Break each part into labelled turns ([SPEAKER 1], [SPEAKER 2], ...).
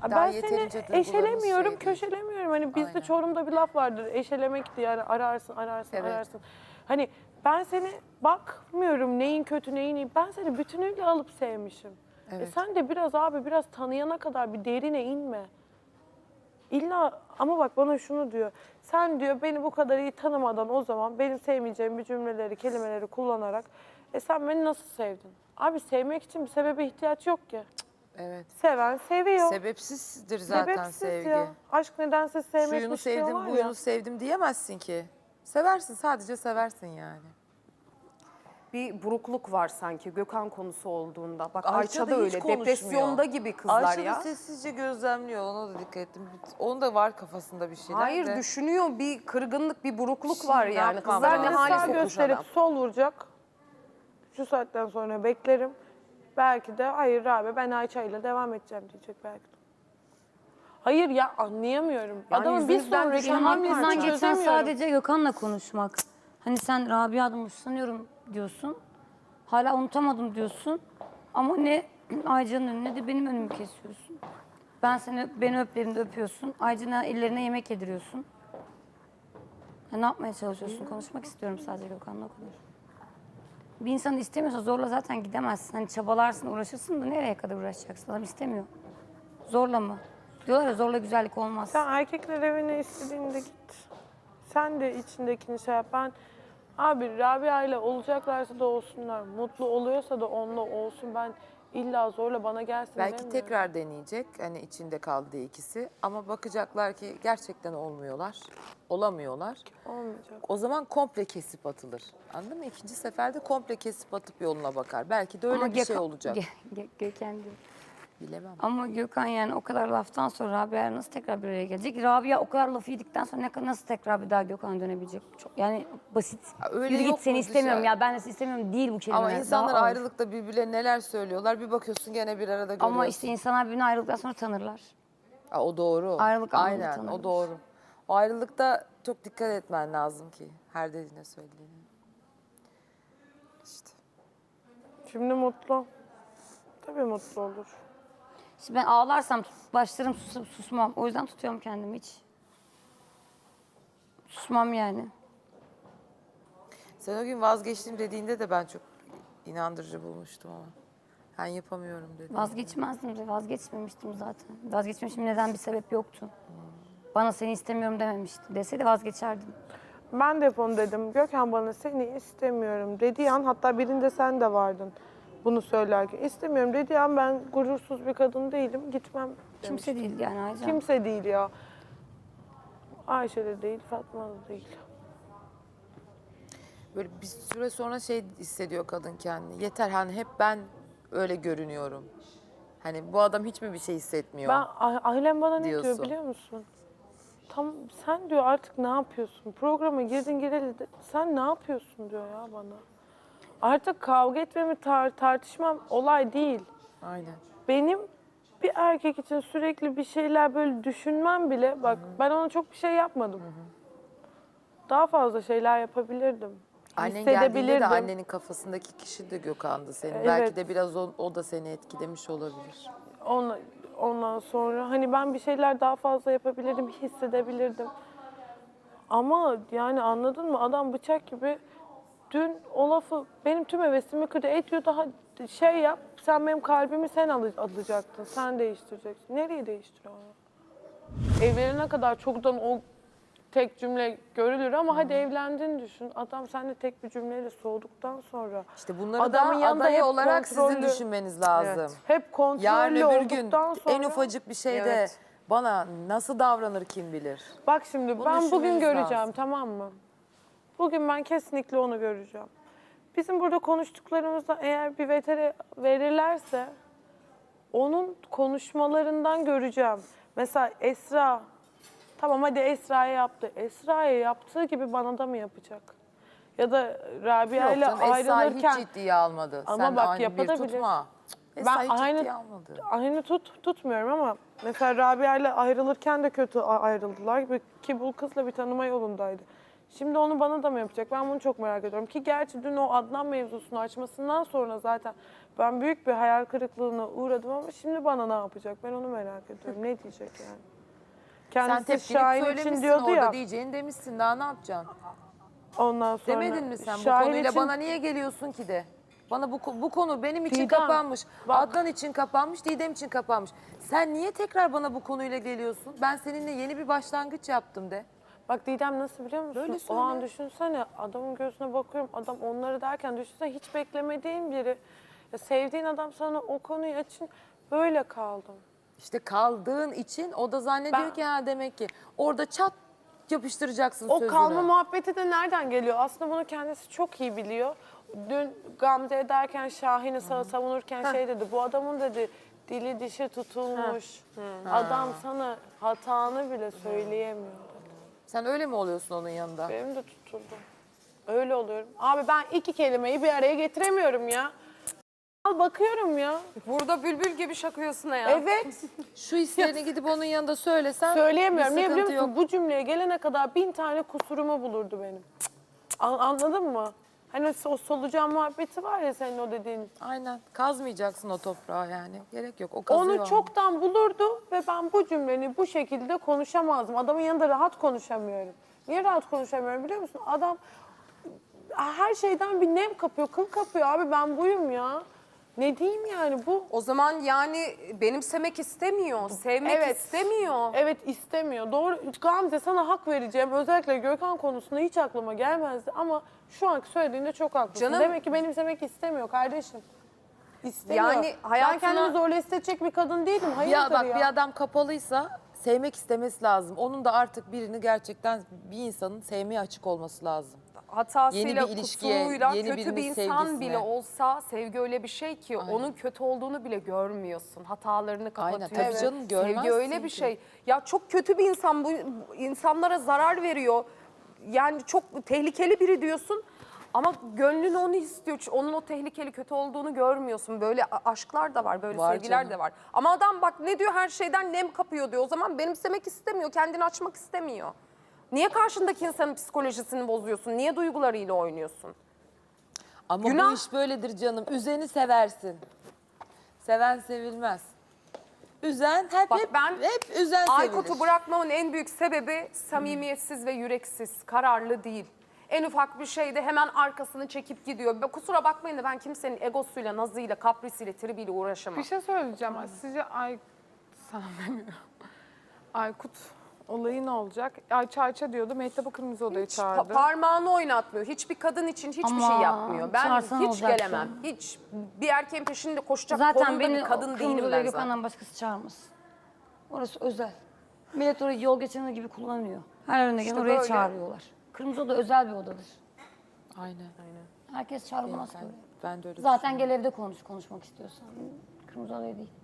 [SPEAKER 1] Ben
[SPEAKER 2] yeterince
[SPEAKER 1] seni
[SPEAKER 2] duygularımız
[SPEAKER 1] eşelemiyorum,
[SPEAKER 2] şey değil.
[SPEAKER 1] köşelemiyorum. Hani bizde
[SPEAKER 2] Aynen.
[SPEAKER 1] Çorum'da bir laf vardır. Eşelemek diye yani ararsın,
[SPEAKER 2] Evet.
[SPEAKER 1] ararsın. Hani ben seni bakmıyorum neyin kötü, neyin iyi. Ben seni bütünüyle alıp sevmişim.
[SPEAKER 2] Evet.
[SPEAKER 1] Sen de biraz tanıyana kadar bir derine inme. İlla ama bak bana şunu diyor. Sen diyor beni bu kadar iyi tanımadan o zaman benim sevmeyeceğim bir cümleleri, kelimeleri kullanarak sen beni nasıl sevdin? Abi sevmek için bir sebebe ihtiyaç yok ki.
[SPEAKER 2] Evet.
[SPEAKER 1] Seven seviyor.
[SPEAKER 2] Sebepsizdir zaten
[SPEAKER 1] Sebepsiz
[SPEAKER 2] sevgi.
[SPEAKER 1] ya. Aşk nedense sevmekmiş
[SPEAKER 2] Şuyunu sevdim,
[SPEAKER 1] diyorlar ya.
[SPEAKER 2] buyunu sevdim diyemezsin ki. Seversin, sadece seversin yani.
[SPEAKER 3] Bir burukluk var sanki Gökhan konusu olduğunda. Bak
[SPEAKER 2] Ayça
[SPEAKER 3] Ayça
[SPEAKER 2] da
[SPEAKER 3] da
[SPEAKER 2] hiç
[SPEAKER 3] öyle.
[SPEAKER 2] konuşmuyor.
[SPEAKER 3] Depresyonda gibi kızlar
[SPEAKER 2] Ayça
[SPEAKER 3] ya.
[SPEAKER 2] da sessizce gözlemliyor, ona da dikkat ettim. Onun da var kafasında bir şeyler
[SPEAKER 3] Hayır
[SPEAKER 2] de.
[SPEAKER 3] düşünüyor, bir kırgınlık, bir burukluk
[SPEAKER 2] Şimdi
[SPEAKER 3] var
[SPEAKER 2] ne
[SPEAKER 3] yani.
[SPEAKER 2] yapmam
[SPEAKER 3] Kızlar ne
[SPEAKER 2] lazım?
[SPEAKER 3] hale
[SPEAKER 1] Sağ
[SPEAKER 3] sokmuş
[SPEAKER 1] gösterip
[SPEAKER 3] adam.
[SPEAKER 1] sol vuracak. Şu saatten sonra beklerim. Belki de hayır abi ben Ayça ile devam edeceğim diyecek belki de. Hayır ya anlayamıyorum.
[SPEAKER 3] Yani
[SPEAKER 1] Adamın bir
[SPEAKER 3] yüzünüzden
[SPEAKER 1] sonraki
[SPEAKER 3] düşen
[SPEAKER 4] Benim
[SPEAKER 3] hamlesini
[SPEAKER 4] aklımdan
[SPEAKER 1] hamlesini
[SPEAKER 4] geçen
[SPEAKER 1] çözemiyorum.
[SPEAKER 4] sadece Gökhan'la konuşmak. Hani sen Rabia'dan hoşlanıyorum diyorsun. Hala unutamadım diyorsun. Ama ne Aycan'ın önüne ne de benim önümü kesiyorsun. Beni öplerinde öpüyorsun. Aycan'a ellerine yemek yediriyorsun. Ya ne yapmaya çalışıyorsun? Konuşmak istiyorum sadece Gökhan'la o kadar. Bir insan istemiyorsa zorla zaten gidemezsin. Hani çabalarsın, uğraşırsın da nereye kadar uğraşacaksın? Adam istemiyor. Zorla mı? Diyorlar ya zorla güzellik olmaz.
[SPEAKER 1] Sen erkekler evine istediğinde git. Sen de içindekini şey yap. Ben abi Rabia ile olacaklarsa da olsunlar. Mutlu oluyorsa da onunla olsun. Ben illa zorla bana gelsin
[SPEAKER 2] Belki
[SPEAKER 1] demiyorum.
[SPEAKER 2] tekrar deneyecek, hani içinde kaldı ikisi. Ama bakacaklar ki gerçekten olmuyorlar, olamıyorlar.
[SPEAKER 1] Olmayacak.
[SPEAKER 2] O zaman komple kesip atılır. Anladın mı? İkinci seferde komple kesip atıp yoluna bakar. Belki de öyle
[SPEAKER 4] Ama
[SPEAKER 2] bir şey olacak.
[SPEAKER 4] Gökhan diyor.
[SPEAKER 2] Bilemem.
[SPEAKER 4] Ama Gökhan yani o kadar laftan sonra Rabia nasıl tekrar bir araya gelecek? Rabia o kadar lafı yedikten sonra nasıl tekrar bir daha Gökhan'a dönebilecek? Çok, yani basit.
[SPEAKER 2] öyle
[SPEAKER 4] Yürü
[SPEAKER 2] yok
[SPEAKER 4] git seni
[SPEAKER 2] mu
[SPEAKER 4] istemiyorum
[SPEAKER 2] dışarı?
[SPEAKER 4] ya ben de seni istemiyorum değil bu kelimeler.
[SPEAKER 2] Ama insanlar
[SPEAKER 4] Daha ağır.
[SPEAKER 2] ayrılıkta birbirlerine neler söylüyorlar. Bir bakıyorsun gene bir arada görüyorsun.
[SPEAKER 4] Ama işte insanlar birbirini ayrıldıktan sonra tanırlar.
[SPEAKER 2] O doğru.
[SPEAKER 4] Ayrılık anında
[SPEAKER 2] Aynen,
[SPEAKER 4] tanırlar.
[SPEAKER 2] o doğru. O ayrılıkta çok dikkat etmen lazım ki her dediğine söylediğine. İşte.
[SPEAKER 1] Şimdi mutlu. Tabii mutlu olur.
[SPEAKER 4] Şimdi ben ağlarsam başlarım susmam. O yüzden tutuyorum kendimi hiç. Susmam yani.
[SPEAKER 2] Sen o gün vazgeçtim dediğinde de ben çok inandırıcı bulmuştum ama. Ben yapamıyorum dedim.
[SPEAKER 4] Vazgeçmezdim de vazgeçmemiştim zaten. Vazgeçmişim neden bir sebep yoktu. Bana seni istemiyorum dememişti. Deseydi vazgeçerdim.
[SPEAKER 1] Ben de hep onu dedim. Gökhan bana seni istemiyorum dediği an hatta birinde sen de vardın bunu söylerken. İstemiyorum dediği an ben gurursuz bir kadın değilim gitmem
[SPEAKER 4] Kimse
[SPEAKER 1] demiştim.
[SPEAKER 4] değil yani Aycan.
[SPEAKER 1] Kimse değil ya. Ayşe de değil, Fatma da değil.
[SPEAKER 2] Böyle bir süre sonra şey hissediyor kadın kendini. Yeter hani hep ben öyle görünüyorum. Hani bu adam hiç mi bir şey hissetmiyor?
[SPEAKER 1] Ailem bana ne diyor
[SPEAKER 2] diyorsun.
[SPEAKER 1] biliyor musun? Tam sen diyor artık ne yapıyorsun? Programa girdin gireli de sen ne yapıyorsun diyor ya bana. Artık kavga etmemi tartışmam olay değil.
[SPEAKER 2] Aynen.
[SPEAKER 1] Benim bir erkek için sürekli bir şeyler böyle düşünmem bile bak ben ona çok bir şey yapmadım. Daha fazla şeyler yapabilirdim.
[SPEAKER 2] Annen geldiğinde de
[SPEAKER 1] Hissedebilirdim.
[SPEAKER 2] annenin kafasındaki kişi de Gökhan'dı senin.
[SPEAKER 1] Evet.
[SPEAKER 2] Belki de biraz o da seni etkilemiş olabilir.
[SPEAKER 1] Ondan sonra hani ben bir şeyler daha fazla yapabilirdim, hissedebilirdim. Ama yani anladın mı? Adam bıçak gibi dün o lafı benim tüm hevesimi kırdı. Diyor daha şey yap, sen benim kalbimi sen alacaktın, sen değiştireceksin. Nereye değiştiriyor ya? Evlenene kadar çoktan o tek cümle görülür ama hadi evlendiğini düşün. Adam seninle tek bir cümleyle soğuduktan sonra.
[SPEAKER 2] İşte bunları
[SPEAKER 1] Adamın
[SPEAKER 2] da
[SPEAKER 1] yanında
[SPEAKER 2] aday
[SPEAKER 1] hep
[SPEAKER 2] olarak sizin
[SPEAKER 1] kontrollü-
[SPEAKER 2] düşünmeniz lazım.
[SPEAKER 3] Evet.
[SPEAKER 1] Hep
[SPEAKER 2] Yarın
[SPEAKER 1] kontrollü
[SPEAKER 2] öbür gün
[SPEAKER 1] olduktan sonra.
[SPEAKER 2] en ufacık bir şeyde
[SPEAKER 3] Evet.
[SPEAKER 2] bana nasıl davranır kim bilir.
[SPEAKER 1] Bak şimdi
[SPEAKER 2] Bunu
[SPEAKER 1] ben bugün
[SPEAKER 2] düşünmeniz
[SPEAKER 1] göreceğim
[SPEAKER 2] lazım.
[SPEAKER 1] tamam mı? Bugün ben kesinlikle onu göreceğim. Bizim burada konuştuklarımızda eğer bir vetere verirlerse onun konuşmalarından göreceğim. Mesela Esra, tamam hadi Esra'ya yaptı. Esra'ya yaptığı gibi bana da mı yapacak? Ya da Rabia
[SPEAKER 2] Yok
[SPEAKER 1] ile
[SPEAKER 2] canım, Esra'yı
[SPEAKER 1] ayrılırken
[SPEAKER 2] hiç ciddiye almadı.
[SPEAKER 1] Ama
[SPEAKER 2] Sen
[SPEAKER 1] bak
[SPEAKER 2] aynı bir
[SPEAKER 1] yapabilir.
[SPEAKER 2] tutma.
[SPEAKER 1] ben
[SPEAKER 2] Esra'yı
[SPEAKER 1] aynı
[SPEAKER 2] ciddiye almadı.
[SPEAKER 1] aynı tutmuyorum ama mesela Rabia ile ayrılırken de kötü ayrıldılar ki bu kızla bir tanıma yolundaydı. Şimdi onu bana da mı yapacak? Ben bunu çok merak ediyorum. Ki gerçi dün o Adnan mevzusunu açmasından sonra zaten ben büyük bir hayal kırıklığına uğradım ama şimdi bana ne yapacak? Ben onu merak ediyorum. Ne diyecek yani?
[SPEAKER 2] Sen
[SPEAKER 1] Kendisi
[SPEAKER 2] tepkini
[SPEAKER 1] Şahin için
[SPEAKER 2] söylemişsin
[SPEAKER 1] diyordu
[SPEAKER 2] orada,
[SPEAKER 1] ya.
[SPEAKER 2] diyeceğini demişsin, daha ne yapacaksın?
[SPEAKER 1] Ondan sonra
[SPEAKER 2] Demedin mi sen bu
[SPEAKER 1] Şahin
[SPEAKER 2] konuyla
[SPEAKER 1] için-
[SPEAKER 2] bana niye geliyorsun ki de? Bana bu konu benim için
[SPEAKER 1] Didem,
[SPEAKER 2] kapanmış.
[SPEAKER 1] bak.
[SPEAKER 2] Adnan için kapanmış, Didem için kapanmış. Sen niye tekrar bana bu konuyla geliyorsun? Ben seninle yeni bir başlangıç yaptım de.
[SPEAKER 1] Bak Didem nasıl biliyor musun?
[SPEAKER 2] Böyle
[SPEAKER 1] O an
[SPEAKER 2] söyle.
[SPEAKER 1] düşünsene adamın gözüne bakıyorum. Adam onları derken düşünsene hiç beklemediğin biri. Ya sevdiğin adam sana o konuyu açın böyle kaldım.
[SPEAKER 2] İşte kaldığın için o da zannediyor
[SPEAKER 1] Ben-
[SPEAKER 2] ki ha demek ki orada çat yapıştıracaksın
[SPEAKER 1] O
[SPEAKER 2] sözünü.
[SPEAKER 1] kalma muhabbeti de nereden geliyor? Aslında bunu kendisi çok iyi biliyor. Dün Gamze ederken Şahin'i savunurken şey dedi. Bu adamın dedi dili dişi tutulmuş. Adam sana hatanı bile söyleyemiyor dedi.
[SPEAKER 2] Sen öyle mi oluyorsun onun yanında?
[SPEAKER 1] Benim de tutuldu. Öyle oluyorum. Abi ben iki kelimeyi bir araya getiremiyorum ya. Al bakıyorum ya.
[SPEAKER 3] Burada bülbül gibi şakıyorsun ya.
[SPEAKER 1] Evet.
[SPEAKER 2] Şu hislerini gidip onun yanında söylesen
[SPEAKER 1] Söyleyemiyorum.
[SPEAKER 2] bir
[SPEAKER 1] Niye biliyor
[SPEAKER 2] sıkıntı
[SPEAKER 1] musun? Bu cümleye gelene kadar 1000 tane kusurumu bulurdu benim. Anladın mı? Hani o solucan muhabbeti var ya senin o dediğin.
[SPEAKER 2] Aynen. Kazmayacaksın o toprağı yani. Gerek yok. O kazıyor.
[SPEAKER 1] Onu çoktan bulurdu ve ben bu cümleni bu şekilde konuşamazdım. Adamın yanında rahat konuşamıyorum. Niye rahat konuşamıyorum biliyor musun? Adam her şeyden bir nem kapıyor, kıl kapıyor. Abi ben buyum ya. Ne diyeyim yani bu?
[SPEAKER 3] O zaman yani benimsemek istemiyor, sevmek istemiyor.
[SPEAKER 1] Evet istemiyor. Doğru. Gamze sana hak vereceğim. Özellikle Gökhan konusunda hiç aklıma gelmezdi ama şu anki söylediğinde çok haklısın.
[SPEAKER 3] Canım-
[SPEAKER 1] Demek ki benimsemek istemiyor kardeşim. İstemiyor.
[SPEAKER 3] Yani
[SPEAKER 1] Ben
[SPEAKER 3] hayatına-
[SPEAKER 1] kendimi zorla hissedecek bir kadın değilim. Hayırdır
[SPEAKER 2] Bak
[SPEAKER 1] ya.
[SPEAKER 2] bir adam kapalıysa sevmek istemesi lazım. Onun da artık birini gerçekten bir insanın sevmeye açık olması lazım.
[SPEAKER 3] Hatasıyla,
[SPEAKER 2] Yeni bir ilişkiye,
[SPEAKER 3] kusuruyla
[SPEAKER 2] yeni
[SPEAKER 3] kötü bir
[SPEAKER 2] birinin
[SPEAKER 3] insan
[SPEAKER 2] sevgisine.
[SPEAKER 3] bile olsa sevgi öyle bir şey ki onun kötü olduğunu bile görmüyorsun. Hatalarını kapatıyorsun.
[SPEAKER 2] tabii canım, görmezsin
[SPEAKER 3] Sevgi öyle bir
[SPEAKER 2] ki.
[SPEAKER 3] şey. Ya çok kötü bir insan, bu insanlara zarar veriyor. Yani çok tehlikeli biri diyorsun. Ama gönlün onu istiyor. Onun o tehlikeli, kötü olduğunu görmüyorsun. Böyle aşklar da var, böyle
[SPEAKER 2] Var
[SPEAKER 3] sevgiler
[SPEAKER 2] canım.
[SPEAKER 3] de var. Ama adam bak ne diyor, her şeyden nem kapıyor diyor. O zaman benimsemek istemiyor, kendini açmak istemiyor. Niye karşındaki insanın psikolojisini bozuyorsun? Niye duygularıyla oynuyorsun?
[SPEAKER 2] Ama
[SPEAKER 3] Günah.
[SPEAKER 2] bu iş böyledir canım. Üzeni seversin. Seven sevilmez. Üzen
[SPEAKER 3] Bak
[SPEAKER 2] hep
[SPEAKER 3] ben
[SPEAKER 2] üzen sevilir.
[SPEAKER 3] Aykut'u bırakmamın en büyük sebebi samimiyetsiz ve yüreksiz, kararlı değil. En ufak bir şeyde hemen arkasını çekip gidiyor. Kusura bakmayın da ben kimsenin egosuyla, nazıyla, kaprisiyle, tribiyle uğraşamam.
[SPEAKER 5] Bir şey söyleyeceğim. Sizce sana demiyorum. Aykut olayı ne olacak? Ayça Ayça diyordu. Mehtap'ı Kırmızı Oda'ya çağırdı.
[SPEAKER 3] Parmağını oynatmıyor. Hiçbir kadın için hiçbir şey
[SPEAKER 4] Ama
[SPEAKER 3] yapmıyor. Ben
[SPEAKER 4] çağırsan
[SPEAKER 3] hiç
[SPEAKER 4] olacaktı.
[SPEAKER 3] gelemem. Hiç. Bir erkeğin peşinde koşacak
[SPEAKER 4] Zaten
[SPEAKER 3] konumda
[SPEAKER 4] beni
[SPEAKER 3] bir kadın
[SPEAKER 4] Kırmızı
[SPEAKER 3] değilim
[SPEAKER 4] Oda'ya
[SPEAKER 3] ben zaten.
[SPEAKER 4] Gökhan'dan başkası çağırmasın. Orası özel. Millet orayı yol geçenler gibi kullanıyor. Her önüne gelen
[SPEAKER 3] İşte
[SPEAKER 4] oraya
[SPEAKER 3] böyle.
[SPEAKER 4] çağırıyorlar. Kırmızı Oda özel bir odadır.
[SPEAKER 2] Aynen.
[SPEAKER 4] Herkes çağrılmaz ki
[SPEAKER 2] Ben,
[SPEAKER 4] oraya.
[SPEAKER 2] ben de öyle
[SPEAKER 4] Zaten gel evde konuşmak istiyorsan. Kırmızı Oda'ya değil.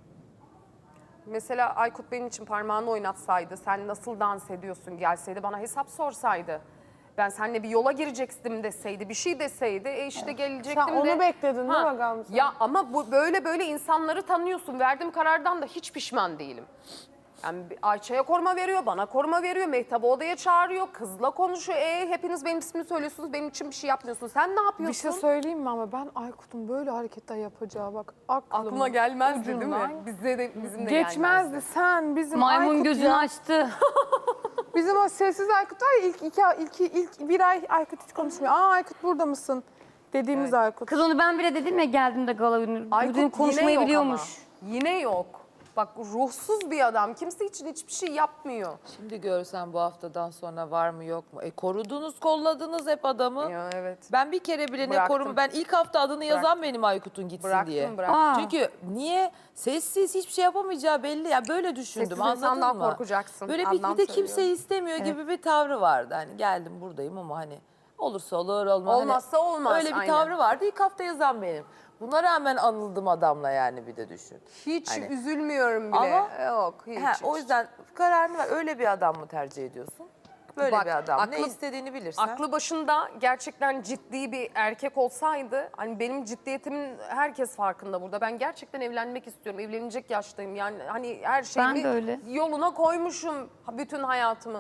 [SPEAKER 3] Mesela Aykut benim için parmağını oynatsaydı, sen nasıl dans ediyorsun gelseydi, bana hesap sorsaydı. Ben seninle bir yola girecektim deseydi, bir şey deseydi, işte gelecektim
[SPEAKER 1] Sen onu
[SPEAKER 3] de.
[SPEAKER 1] bekledin değil mi Gamze?
[SPEAKER 3] Ya ama bu böyle insanları tanıyorsun. Verdiğim karardan da hiç pişman değilim. Yani Ayça'ya koruma veriyor, bana koruma veriyor, Mehtap'ı odaya çağırıyor, kızla konuşuyor. Hepiniz benim ismimi söylüyorsunuz, benim için bir şey yapmıyorsun. Sen ne yapıyorsun?
[SPEAKER 5] Bir şey söyleyeyim mi ama ben Aykut'un böyle hareketler yapacağı bak
[SPEAKER 3] Aklıma gelmezdi değil mi?
[SPEAKER 5] ucundan
[SPEAKER 3] Bize de, bizim de
[SPEAKER 5] Geçmezdi.
[SPEAKER 3] gelmezdi.
[SPEAKER 5] Sen bizim
[SPEAKER 4] Maymun
[SPEAKER 5] Aykut
[SPEAKER 4] gözünü
[SPEAKER 5] ya.
[SPEAKER 4] açtı.
[SPEAKER 5] Bizim o sessiz Aykut var ya ilk bir ay Aykut hiç konuşmuyor. Aa Aykut burada mısın? Dediğimiz Aykut.
[SPEAKER 4] Kız onu ben bile dedim ya geldiğimde gala günü.
[SPEAKER 3] Aykut
[SPEAKER 4] Bugün konuşmayı
[SPEAKER 3] yine yok
[SPEAKER 4] biliyormuş.
[SPEAKER 3] ama. Yine yok. Bak ruhsuz bir adam. Kimse için hiçbir şey yapmıyor.
[SPEAKER 2] Şimdi görsen bu haftadan sonra var mı yok mu? Korudunuz, kolladınız hep adamı.
[SPEAKER 3] Ya evet.
[SPEAKER 2] Ben bir kere bile ne
[SPEAKER 3] Bıraktım.
[SPEAKER 2] korum? Ben ilk hafta adını yazan
[SPEAKER 3] Bıraktım.
[SPEAKER 2] benim Aykut'un gitsin diye.
[SPEAKER 3] Bıraktım.
[SPEAKER 4] Aa.
[SPEAKER 2] Çünkü niye? Sessiz hiçbir şey yapamayacağı belli. Ya böyle düşündüm,
[SPEAKER 3] Sessiz
[SPEAKER 2] anladın
[SPEAKER 3] insandan
[SPEAKER 2] mı?
[SPEAKER 3] korkacaksın.
[SPEAKER 2] Böyle
[SPEAKER 3] Adnan
[SPEAKER 2] bir de
[SPEAKER 3] söylüyor.
[SPEAKER 2] kimseyi istemiyor gibi bir tavrı vardı. Hani geldim buradayım ama hani olursa olur olmaz.
[SPEAKER 3] Olmazsa olmaz,
[SPEAKER 2] Öyle bir
[SPEAKER 3] aynen.
[SPEAKER 2] tavrı vardı. İlk hafta yazan benim. Buna rağmen anıldım adamla yani bir de düşün.
[SPEAKER 3] Hiç
[SPEAKER 2] Hani-
[SPEAKER 3] üzülmüyorum bile.
[SPEAKER 2] Ama-
[SPEAKER 3] Yok hiç.
[SPEAKER 2] Ha, o yüzden kararını ver. Öyle bir adam mı tercih ediyorsun? Böyle
[SPEAKER 3] Bak,
[SPEAKER 2] bir adam. Ne
[SPEAKER 3] aklı-
[SPEAKER 2] istediğini bilirsen.
[SPEAKER 3] Aklı başında gerçekten ciddi bir erkek olsaydı, hani benim ciddiyetimin herkes farkında burada. Ben gerçekten evlenmek istiyorum. Evlenecek yaştayım. Yani hani her şeyimi
[SPEAKER 4] de öyle.
[SPEAKER 3] yoluna koymuşum bütün hayatımı.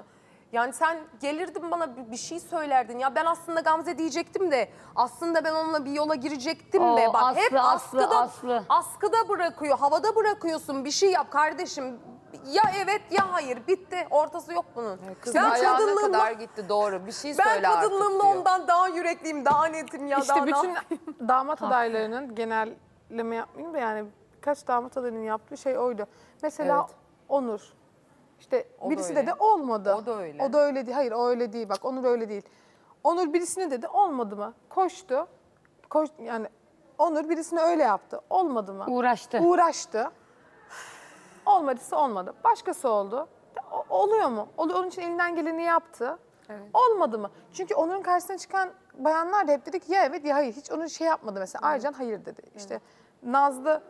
[SPEAKER 3] Yani sen gelirdin bana bir şey söylerdin. Ya ben aslında Gamze diyecektim de aslında ben onunla bir yola girecektim de.
[SPEAKER 4] Oo,
[SPEAKER 3] Bak
[SPEAKER 4] Aslı,
[SPEAKER 3] hep
[SPEAKER 4] Aslı,
[SPEAKER 3] askıda,
[SPEAKER 4] Aslı.
[SPEAKER 3] askıda bırakıyor, havada bırakıyorsun. Bir şey yap kardeşim. Ya evet ya hayır, bitti. Ortası yok bunun.
[SPEAKER 2] Kız
[SPEAKER 3] Ben
[SPEAKER 2] ayağına
[SPEAKER 3] kadınlığımla-
[SPEAKER 2] kadar gitti, doğru. Bir şey
[SPEAKER 3] Ben
[SPEAKER 2] söyle artık
[SPEAKER 3] kadınlığımla
[SPEAKER 2] diyor.
[SPEAKER 3] ondan daha yürekliyim, daha netim ya.
[SPEAKER 5] İşte
[SPEAKER 3] daha ne
[SPEAKER 5] bütün
[SPEAKER 3] yapayım?
[SPEAKER 5] damat adaylarının genelleme yapmayayım da yani birkaç damat adayının yaptığı şey oydu. Mesela
[SPEAKER 2] Evet.
[SPEAKER 5] Onur. İşte
[SPEAKER 3] O da
[SPEAKER 5] birisi
[SPEAKER 3] öyle.
[SPEAKER 5] dedi olmadı.
[SPEAKER 3] O da öyle.
[SPEAKER 5] O da öyle değil. Hayır o öyle değil. Bak Onur öyle değil. Onur birisine dedi olmadı mı? Koştu. Yani Onur birisine öyle yaptı. Olmadı mı?
[SPEAKER 4] Uğraştı.
[SPEAKER 5] Uğraştı. Olmadıysa olmadı. Başkası oldu. Oluyor mu? Onun için elinden geleni yaptı. Olmadı mı? Çünkü Onur'un karşısına çıkan bayanlar da hep dedik ya evet ya hayır. Hiç onun şey yapmadı mesela. Aycan hayır dedi. İşte Nazlı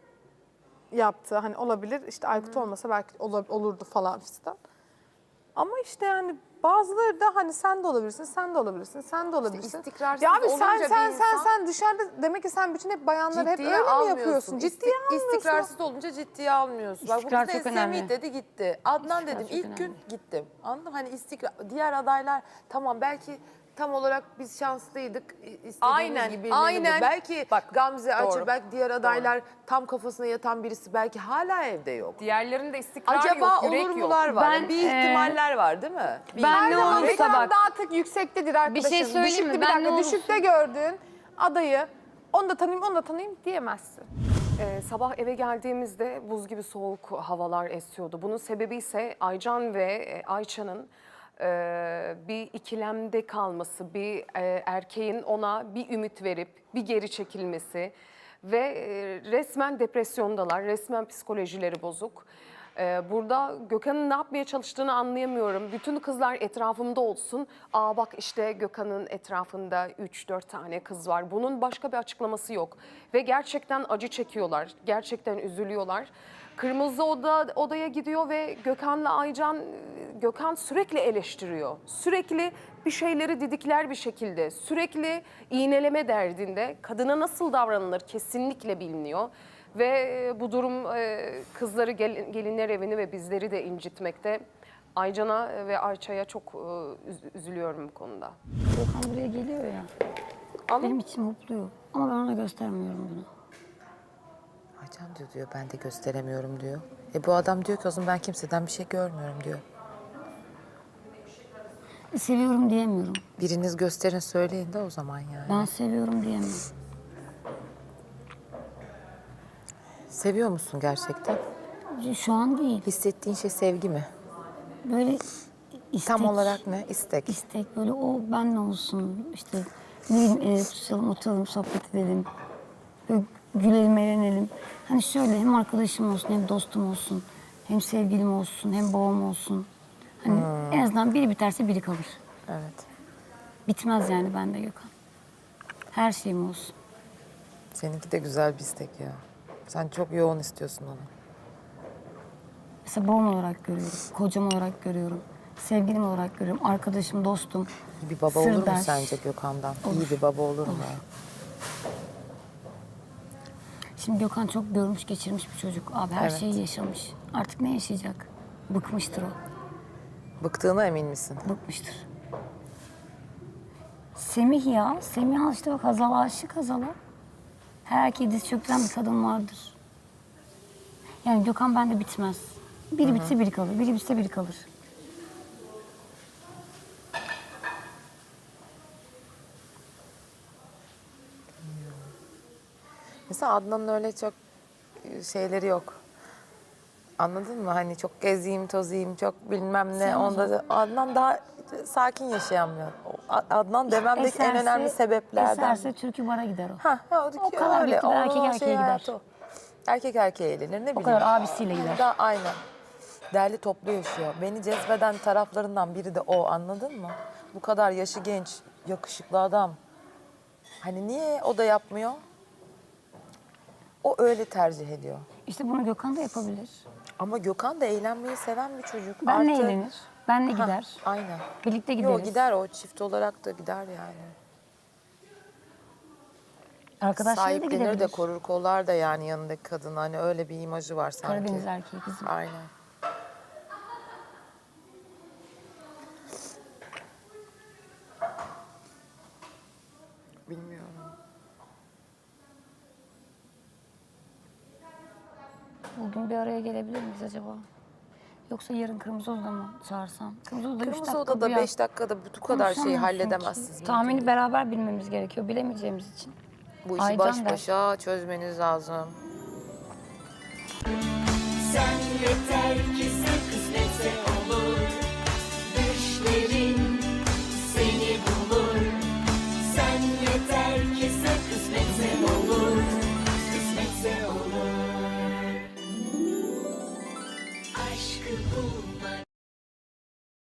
[SPEAKER 5] yaptı. Hani olabilir. İşte Aykut olmasa belki olurdu falan fistan. Ama işte yani bazıları da hani sen de olabilirsin, sen de olabilirsin, sen de olabilirsin.
[SPEAKER 3] istikrarsız
[SPEAKER 5] ya abi sen
[SPEAKER 3] olunca bir insan-
[SPEAKER 5] sen dışarıda demek ki sen bütün hep bayanları hep öyle mi yapıyorsun? Ciddiye almıyorsun.
[SPEAKER 2] İstikrarsız olunca ciddiye almıyorsun. Bak bu
[SPEAKER 4] İstikrar
[SPEAKER 2] kız
[SPEAKER 4] çok
[SPEAKER 2] da
[SPEAKER 4] önemli.
[SPEAKER 2] Semih dedi gitti. Adnan
[SPEAKER 4] İstikrar
[SPEAKER 2] dedim
[SPEAKER 4] çok
[SPEAKER 2] ilk gün
[SPEAKER 4] önemli.
[SPEAKER 2] gittim. Anladın mı? Hani istikrar. Diğer adaylar tamam belki tam olarak biz şanslıydık. İstediğimiz
[SPEAKER 3] Aynen,
[SPEAKER 2] gibi
[SPEAKER 3] aynen.
[SPEAKER 2] ilerledi. Belki
[SPEAKER 3] Bak,
[SPEAKER 2] Gamze Açı,
[SPEAKER 3] doğru.
[SPEAKER 2] belki diğer adaylar tam kafasına yatan birisi belki hala evde yok.
[SPEAKER 3] Diğerlerinde istikrar
[SPEAKER 2] Acaba
[SPEAKER 3] yok, yürek
[SPEAKER 2] olur
[SPEAKER 3] yok.
[SPEAKER 2] mular var?
[SPEAKER 4] Ben,
[SPEAKER 2] bir ihtimaller var değil mi? Bir
[SPEAKER 4] ben ne
[SPEAKER 2] ihtimal.
[SPEAKER 4] olursa
[SPEAKER 5] Reklam
[SPEAKER 4] bak.
[SPEAKER 5] daha tık yüksektedir arkadaşım.
[SPEAKER 4] şey söyleyeyim mi?
[SPEAKER 5] Düşükte, bir
[SPEAKER 4] Ben
[SPEAKER 5] dakika,
[SPEAKER 4] ne olursa-
[SPEAKER 5] düşükte gördüğün adayı onu da tanıyayım, onu da tanıyayım diyemezsin.
[SPEAKER 3] Sabah eve geldiğimizde buz gibi soğuk havalar esiyordu. Bunun sebebi ise Aycan ve Ayça'nın bir ikilemde kalması, bir erkeğin ona bir ümit verip bir geri çekilmesi ve resmen depresyondalar, resmen psikolojileri bozuk. Burada Gökhan'ın ne yapmaya çalıştığını anlayamıyorum. Bütün kızlar etrafımda olsun. Aa bak işte Gökhan'ın etrafında 3-4 tane kız var. Bunun başka bir açıklaması yok. Ve gerçekten acı çekiyorlar. Gerçekten üzülüyorlar. Kırmızı odaya gidiyor ve Gökhan'la Aycan, Gökhan sürekli eleştiriyor. Sürekli bir şeyleri didikler bir şekilde. Sürekli iğneleme derdinde. Kadına nasıl davranılır kesinlikle bilmiyor. Ve bu durum kızları, gelinler evini ve bizleri de incitmekte. Aycan'a ve Ayça'ya çok üzülüyorum bu konuda.
[SPEAKER 4] Gökhan buraya geliyor ya.
[SPEAKER 3] Ama
[SPEAKER 4] Benim içim mutluyor. Ama ben ona göstermiyorum bunu.
[SPEAKER 2] Aycan diyor ben de gösteremiyorum diyor. Bu adam diyor ki o zaman ben kimseden bir şey görmüyorum diyor.
[SPEAKER 4] Seviyorum diyemiyorum.
[SPEAKER 2] Biriniz gösterin söyleyin de o zaman yani.
[SPEAKER 4] Ben seviyorum diyemem.
[SPEAKER 2] Seviyor musun gerçekten?
[SPEAKER 4] Şu an değil.
[SPEAKER 2] Hissettiğin şey sevgi mi?
[SPEAKER 4] Böyle istek.
[SPEAKER 2] Tam olarak ne? İstek.
[SPEAKER 4] İstek böyle o benle olsun. İşte ne bileyim tutuşalım, oturalım, sohbet edelim. Böyle gülelim, eğlenelim. Hani şöyle hem arkadaşım olsun, hem dostum olsun. Hem sevgilim olsun, hem babam olsun. Hani en azından biri biterse biri kalır.
[SPEAKER 2] Evet.
[SPEAKER 4] Bitmez yani bende Gökhan. Her şeyim olsun.
[SPEAKER 2] Seninki de güzel bir istek ya. Sen çok yoğun istiyorsun onu.
[SPEAKER 4] Mesela babam olarak görüyorum, kocam olarak görüyorum. Sevgilim olarak görüyorum, arkadaşım, dostum.
[SPEAKER 2] İyi bir baba olur mu
[SPEAKER 4] sırdaş.
[SPEAKER 2] sence Gökhan'dan?
[SPEAKER 4] Olur.
[SPEAKER 2] İyi bir baba olur mu?
[SPEAKER 4] Şimdi Gökhan çok görmüş, geçirmiş bir çocuk. Abi her
[SPEAKER 2] Evet.
[SPEAKER 4] şeyi yaşamış. Artık ne yaşayacak? Bıkmıştır o,
[SPEAKER 2] Bıktığına emin misin?
[SPEAKER 4] bıkmıştır. Semih ya, Semih al işte bak Hazal'a aşık Hazal'a. Her erkeği diz çöktüren bir kadın vardır. Yani Gökhan bende bitmez. Biri bitse biri kalır, biri bitse biri kalır.
[SPEAKER 2] Mesela Adnan'ın öyle çok şeyleri yok. Anladın mı? Hani çok gezeyim, tozayım, çok bilmem ne. Onda da Adnan daha sakin yaşayamıyor. Adnan dememdeki en önemli sebeplerden.
[SPEAKER 4] Eserse türkü bara gider o.
[SPEAKER 2] O
[SPEAKER 4] kadar
[SPEAKER 2] öyle.
[SPEAKER 4] bekler, erkek
[SPEAKER 2] Onun
[SPEAKER 4] erkeğe gider.
[SPEAKER 2] hayatı o. Erkek erkeğe eğlenir ne bileyim.
[SPEAKER 4] O kadar abisiyle gider.
[SPEAKER 2] Da, aynen. Derli toplu yaşıyor. Beni cezbeden taraflarından biri de o, anladın mı? Bu kadar yaşı genç, yakışıklı adam. Hani niye o da yapmıyor? O öyle tercih ediyor.
[SPEAKER 4] İşte bunu Gökhan da yapabilir.
[SPEAKER 2] Ama Gökhan da eğlenmeyi seven bir çocuk.
[SPEAKER 4] Benle
[SPEAKER 2] Artı-
[SPEAKER 4] eğlenir, benle
[SPEAKER 2] Hah,
[SPEAKER 4] gider.
[SPEAKER 2] aynen.
[SPEAKER 4] Birlikte gideriz.
[SPEAKER 2] Yok gider o, çift olarak da gider yani.
[SPEAKER 4] Arkadaşlarıyla da
[SPEAKER 2] Sahiplenir
[SPEAKER 4] gidebilir.
[SPEAKER 2] de korur kollar da yani yanındaki kadın. Hani öyle bir imajı var sanki.
[SPEAKER 4] Karadeniz erkeği kızım.
[SPEAKER 2] Aynen.
[SPEAKER 4] Bugün bir araya gelebilir miyiz acaba? Yoksa yarın Kırmızı Oda'da mı çağırsam? Kırmızı Oda'da 3
[SPEAKER 2] Kırmızı
[SPEAKER 4] dakika
[SPEAKER 2] odada
[SPEAKER 4] bir
[SPEAKER 2] 5 dakikada bu kadar şeyi
[SPEAKER 4] konuşamıyorsun
[SPEAKER 2] halledemezsiniz.
[SPEAKER 4] ki. Tahmini beraber bilmemiz gerekiyor, bilemeyeceğimiz için.
[SPEAKER 2] Bu işi
[SPEAKER 4] Aycan
[SPEAKER 2] baş
[SPEAKER 4] der.
[SPEAKER 2] başa çözmeniz lazım.
[SPEAKER 6] Sen yeter ki sen